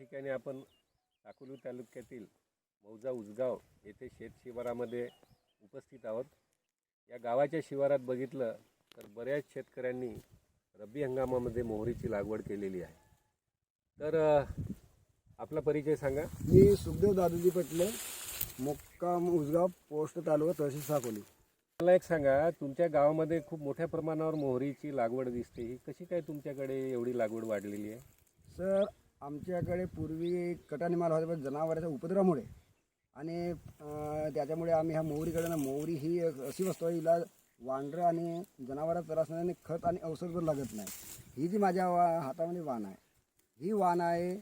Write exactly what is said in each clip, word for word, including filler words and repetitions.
ठिकाणी आपण अकोला तालुक्यातील मौजा उजगाव येथे शेत शिवारामध्ये उपस्थित आहोत। या गावाच्या शिवारात बघितलं तर बऱ्याच शेतकऱ्यांनी रब्बी हंगामामध्ये मोहरीची लागवड केलेली आहे। तर आपला परिचय सांगा। मी सुखदेव दादूजी पटले, मुक्काम उजगाव, पोस्ट तालुका, तहसील साकोली। मला एक सांगा, तुमच्या गावामध्ये खूप मोठ्या प्रमाणावर मोहरीची लागवड दिसते, ही कशी काय तुमच्याकडे एवढी लागवड वाढलेली आहे? सर, आमच्याकडे पूर्वी कटाने माल होता, पण जनावरांच्या उपद्रवामुळे आणि त्याच्यामुळे आम्ही ह्या मोहरीकडे ना, मोहरी ही एक अशी वस्तू आहे, हिला वांढरं आणि जनावरांचा त्रास नाही आणि खत आणि औषध पण लागत नाही। ही जी माझ्या वा हातामध्ये वाण आहे, ही वाण आहे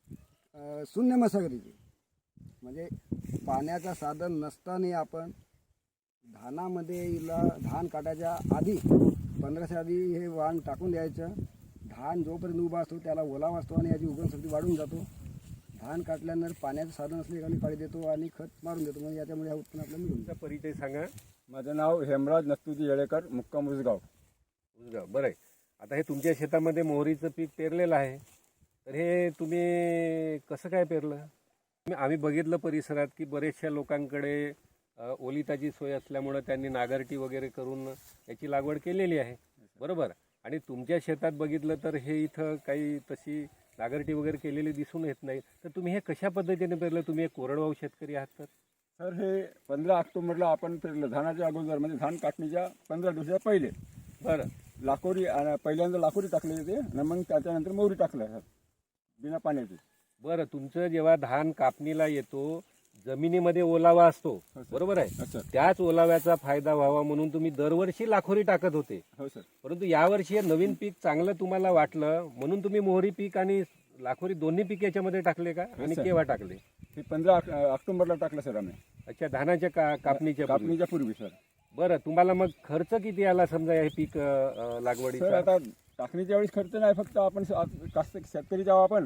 शून्य मशागतीची, म्हणजे पाण्याचं साधन नसताना आपण धानामध्ये हिला धान काटायच्या आधी पंधराच्या आधी हे वाण टाकून द्यायचं। धान जोपर्यंत उभा असतो त्याला ओलावा असतो आणि याची उगवणशक्ती वाढून जातो। धान काटल्यानंतर पाण्याचं साधन असले आणि पाणी देतो आणि खत मारून देतो, म्हणजे याच्यामुळे हा उत्पन्न आपल्याला मिळून तुमचा परिचय सांगा। माझं नाव हेमराज नस्तुजी येळेकर, मुक्काम उजगाव। उजगाव, बरं आहे। आता हे तुमच्या शेतामध्ये मोहरीचं पीक पेरलेलं आहे, तर हे तुम्ही कसं काय पेरलं? आम्ही बघितलं परिसरात की बरेचशा लोकांकडे ओलिताची सोय असल्यामुळे त्यांनी नागरटी वगैरे करून याची लागवड केलेली आहे, बरोबर? आणि तुमच्या शेतात बघितलं तर हे इथं काही तशी नागरटी वगैरे केलेली दिसून येत नाही, तर तुम्ही हे कशा पद्धतीने पेरलं? तुम्ही एक कोरडवाहू शेतकरी आहात तर? सर, हे पंधरा ऑक्टोबरला आपण पेरलं, धानाच्या अगोदर, म्हणजे धान काटणीच्या पंधरा दिवसा पहिले। बरं, लाकोरी पहिल्यांदा लाकोरी टाकली होती आणि मग त्याच्यानंतर मोहरी टाकलं सर, बिना पाण्याची। बरं, तुमचं जेव्हा धान कापणीला येतो जमिनीमध्ये ओलावा असतो, बरोबर आहे? अच्छा, त्याच ओलाव्याचा फायदा व्हावा म्हणून तुम्ही दरवर्षी लाखोरी टाकत होते, हो सर। परंतु यावर्षी हे नवीन पीक चांगलं तुम्हाला वाटलं म्हणून तुम्ही मोहरी पीक आणि लाखोरी दोन्ही पीक याच्यामध्ये टाकले का? आणि केव्हा टाकले? हे पंधरा ऑक्टोबरला टाकलं सर आम्ही। अच्छा, धानाच्या का कापणीच्या पूर्वी? कापणीच्या पूर्वी सर। बरं, तुम्हाला मग खर्च किती आला समजा हे पीक लागवडीचा? सर, आता टाकणीच्या वेळेस खर्च नाही, फक्त आपण कास्त शेतकरी जाऊ आपण,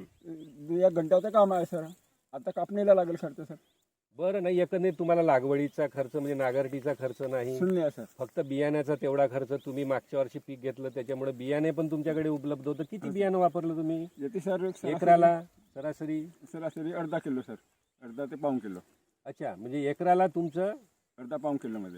एक घंट्याचं काम आहे सर। आता कापणीला लागेल खर्च सर। बरं, नाही एकंदरीत तुम्हाला लागवडीचा खर्च म्हणजे नागरटीचा खर्च नाही, शून्य आहे सर। फक्त बियाण्याचा तेवढा खर्च। तुम्ही मागच्या वर्षी पीक घेतलं त्याच्यामुळे बियाणे पण तुमच्याकडे उपलब्ध होतं। किती बियाणं वापरलं तुम्ही येते सर? एकराला सरासरी सरासरी अर्धा किलो सर, अर्धा ते पाऊण किलो। अच्छा, म्हणजे एकराला तुमचं अर्धा पाऊण किलो मध्ये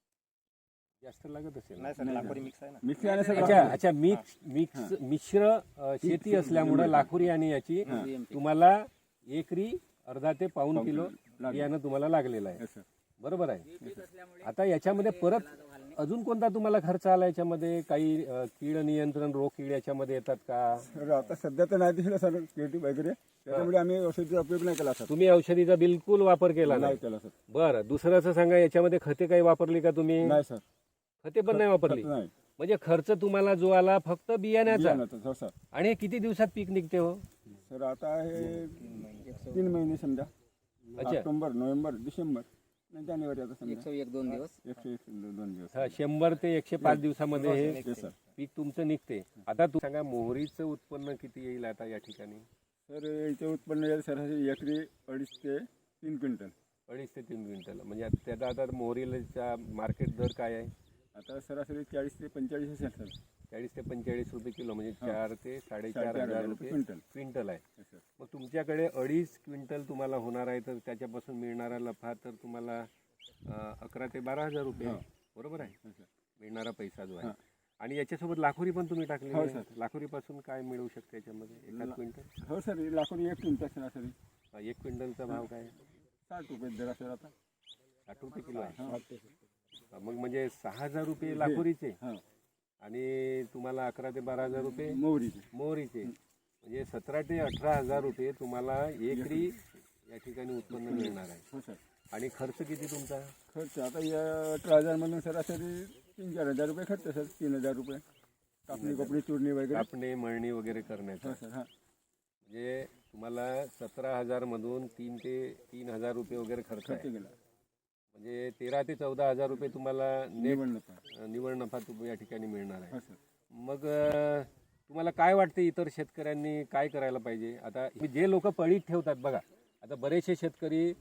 जास्त लागत असेल? मिक्स आहे ना सर। अच्छा अच्छा, मिक्स मिक्स मिश्र शेती असल्यामुळे लाखोरी आणि याची तुम्हाला एकरी अर्धा ते पाऊण किलो बियाणं तुम्हाला लागलेलं आहे, बरोबर आहे? आता याच्यामध्ये परत अजून कोणता तुम्हाला खर्च आला याच्यामध्ये? काही कीड नियंत्रण, रोग कीड याच्यामध्ये येतात का? सर, आता सध्या तर नाही दिसलं सर कीड वगैरे, त्याच्यामुळे आम्ही औषधीचा उपयोग नाही केला सर। तुम्ही औषधीचा बिलकुल वापर केला नाही केला सर। बरं, दुसरं असं सांगा, याच्यामध्ये खते काही वापरली का तुम्ही? नाही सर, खते पण नाही वापरली। नाही, म्हणजे खर्च तुम्हाला जो आला फक्त बियाण्याचा। हो सर। आणि हे किती दिवसात पीक निघते हो? सर, आता हे तीन महिने समजा, ऑक्टोबर, नोव्हेंबर, डिसेंबर, जानेवारी, आता समजा एकशे एक दोन दिवस एकशे एक दोन दिवस हा, शंभर ते एकशे पाच दिवसामध्ये हे हे सर पीक तुमचं निघते। आता तू सांगा, मोहरीचं उत्पन्न किती येईल आता या ठिकाणी? सर, इथे उत्पन्न येईल सरासरी एकरी अडीच ते तीन क्विंटल। अडीच ते तीन क्विंटल, म्हणजे त्याचा आता मोहरीचा मार्केट दर काय आहे? आता सरासरी चाळीस ते पंचेचाळीस असेल सर। चाळीस ते पंचेचाळीस रुपये किलो, म्हणजे चार ते साडेचार हजार रुपये क्विंटल क्विंटल आहे। मग तुमच्याकडे अडीच क्विंटल तुम्हाला होणार आहे, तर त्याच्यापासून मिळणारा नफा तर तुम्हाला अकरा ते बारा हजार रुपये, बरोबर आहे? मिळणारा पैसा जो आहे। आणि याच्यासोबत लाखोरी पण तुम्ही टाकली, लाखोरी पासून काय मिळू शकते याच्यामध्ये एका क्विंटल? हो सर, लाखोरी एक क्विंटल सरासरी। एक क्विंटलचा भाव काय? साठ रुपये दर सर। आता साठ रुपये किलो आहे, मग म्हणजे सहा हजार रुपये लाखोरीचे आणि तुम्हाला अकरा ते बारा हजार रुपये मोहरीचे मोहरीचे, म्हणजे सतरा ते अठरा हजार रुपये तुम्हाला एकरी या ठिकाणी उत्पन्न मिळणार आहे। हो सर। आणि खर्च किती तुमचा? खर्च आता या अठरा हजार मधून सरासरी तीन चार हजार रुपये खर्च सर। तीन हजार रुपये कापणी कोपणी चुरणी वगैरे, कापणी मळणी वगैरे करण्याचा, सर। हा, म्हणजे तुम्हाला सतरा हजार मधून तीन ते तीन हजार रुपये वगैरे खर्च आहे, गेला, म्हणजे तेरा ते चौदा हजार रुपये तुम्हाला निव्वळ नफा निव्वळ नफा तुम्ही या ठिकाणी मिळणार आहे। हो सर। मग तुम्हाला काय वाटते इतर शेतकऱ्यांनी काय करायला पाहिजे? आता जे लोक पडीत ठेवतात बघा, आता बरेचसे शेतकरी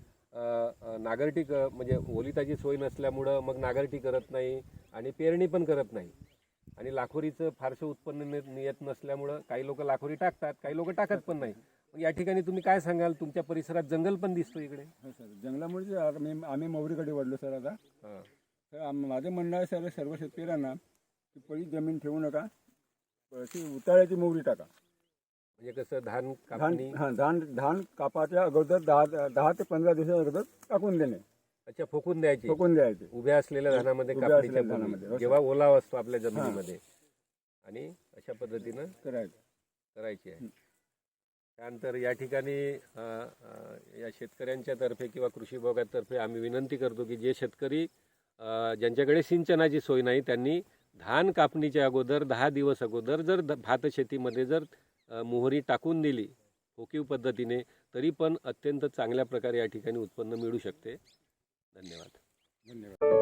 नागरटी म्हणजे ओलिताची सोय नसल्यामुळं मग नागरटी करत नाही आणि पेरणी पण करत नाही, आणि लाखोरीचं फारसं उत्पन्न येत नसल्यामुळं काही लोक लाखोरी टाकतात, काही लोक टाकत पण नाही। मग या ठिकाणी तुम्ही काय सांगाल? तुमच्या परिसरात जंगल पण दिसतो इकडे. हो सर, जंगलामुळे आता मी आम्ही मोहरीकडे वळलो सर आता. हां. तर आम- माझं म्हणणं आहे सर सर्व शेतकऱ्यांना की पहिली जमीन ठेवू नका, ती उताळ्याची मोहरी टाका. म्हणजे कसं धान धान कापणी. हां धान धान कापाच्या अगोदर दहा दहा ते पंधरा दिवसाच्या अगोदर टाकून देणे, अच्छा, फोकून द्यायची ठोकून द्यायचे. उभ्या असलेल्या धानामध्ये उभ्या कापणीच्या असलेल्या धानामध्ये, पूर्वी, हो, जेव्हा ओलावा असतो आपल्या जमिनीमध्ये, आणि अशा पद्धतीनं करायचं. करायची आहे. त्यानंतर या ठिकाणी अ, अ, या शेतकऱ्यांच्या तर्फे किंवा कृषी विभागातर्फे आम्ही विनंती करतो की जे शेतकरी अ, ज्यांच्याकडे सिंचनाची सोय नाही त्यांनी धान कापणीच्या अगोदर दहा दिवस अगोदर जर द- भात शेतीमध्ये जर अ, मोहरी टाकून दिली फोकीव पद्धतीने, तरी पण अत्यंत चांगल्या प्रकारे या ठिकाणी उत्पन्न मिळू शकते. धन्यवाद. धन्यवाद.